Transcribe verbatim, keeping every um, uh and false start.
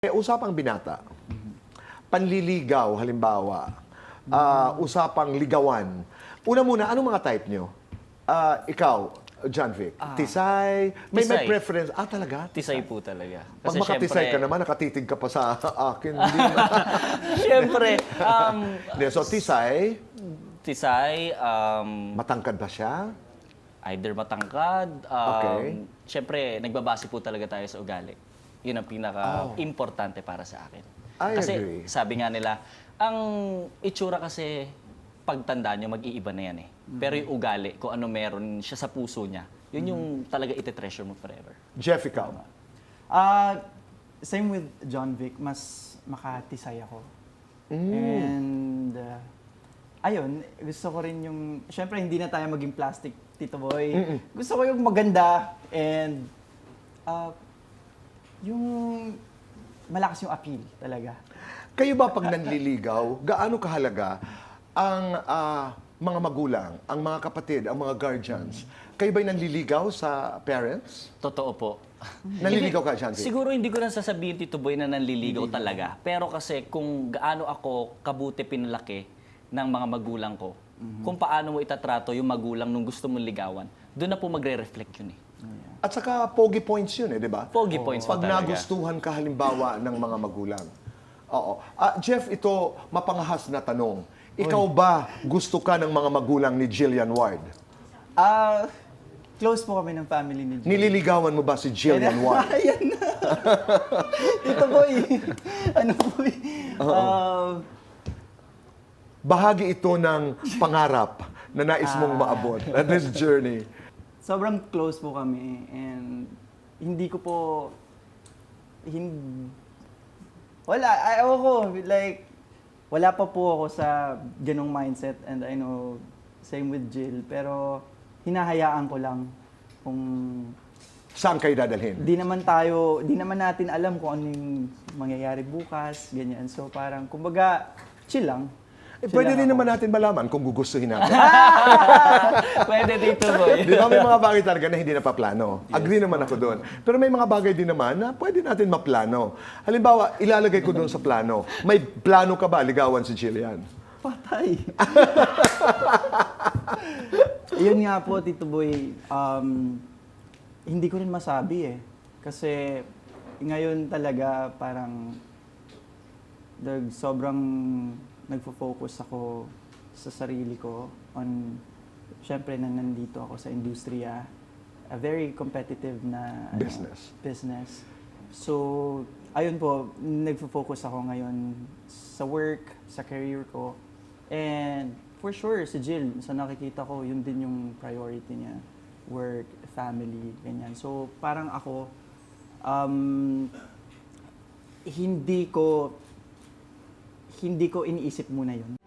Eh, usapang binata, panliligaw halimbawa, ah, usapang ligawan. Una muna, anong mga type nyo? Ah, ikaw, John Vic, tisay, may, may tisay. preference. Ah, talaga? Tisay po talaga. Pag makatisay ka naman, nakatitig ka pa sa akin. Hindi na. Siyempre, um, Hindi, so, tisay, tisay, um, matangkad ba siya? either matangkad, um, Okay. siyempre, nagbabase po talaga tayo sa ugali. Yun ang pinaka-importante para sa akin. I Kasi agree. sabi nga nila, ang itsura kasi pagtanda nyo, mag-iiba na yan eh. Pero yung ugali, kung ano meron siya sa puso niya, yun yung talaga iti-treasure mo forever. Jeff, ikaw. Ah, same with John Vic, mas makatisay ako. And uh, ayun, gusto ko rin yung, syempre hindi na tayo maging plastic, Tito Boy. Gusto ko yung maganda and uh, yung malakas yung appeal talaga. Kayo ba pag nanliligaw, gaano kahalaga ang ah, mga magulang, ang mga kapatid, ang mga guardians? Kayo ba'y nanliligaw sa parents? Totoo po. Nanliligaw ka, John Vic? Siguro hindi ko na sasabihin, Tito Boy, na nanliligaw talaga. Pero kasi kung gaano ako kabuti pinalaki ng mga magulang ko, kung paano mo itatrato yung magulang nung gusto mong ligawan, doon na po magre-reflect yun eh. At saka, pogi points yun eh, di ba? Pogi points po Pag talaga. nagustuhan ka halimbawa ng mga magulang. Oo. Ah, Jeff, ito mapangahas na tanong. Ikaw ba gusto ka ng mga magulang ni Jillian Ward? Ah, close po kami ng family ni John. Nililigawan mo ba si Jillian Ward? Ayan na. Tito Boy, ano po eh. Ah, Bahagi ito ng pangarap na nais mong maabot at this journey. sobrang close po kami and hindi ko po hindi wala ayaw ko like wala pa po ako sa ganong mindset and I know same with Jill pero hinahayaan ko lang kung Saan kayo dadalhin? di naman tayo di naman natin alam kung ano yung mangyayari bukas ganyan so parang kumbaga chill lang. Eh, Chill pwede rin lang ako. naman natin malaman kung gugustuhin natin. Pwede, Tito Boy. Di ba may mga bagay talaga na hindi napaplano? Agree naman ako doon. Pero may mga bagay din naman na pwede natin maplano. Halimbawa, ilalagay ko doon sa plano. May plano ka ba ligawan si Jillian? Patay. Yun nga po, Tito Boy, um, hindi ko rin masabi eh. Kasi ngayon talaga parang dag, sobrang nagfo-focus ako sa sarili ko on, syempre na nandito ako sa industriya, a very competitive na ano, Business. business. So, ayun po, nagfo-focus ako ngayon sa work, sa career ko. And for sure, si Jill, sa nakikita ko, yun din yung priority niya. Work, family, ganyan. So, parang ako, um, hindi ko, hindi ko iniisip muna yun.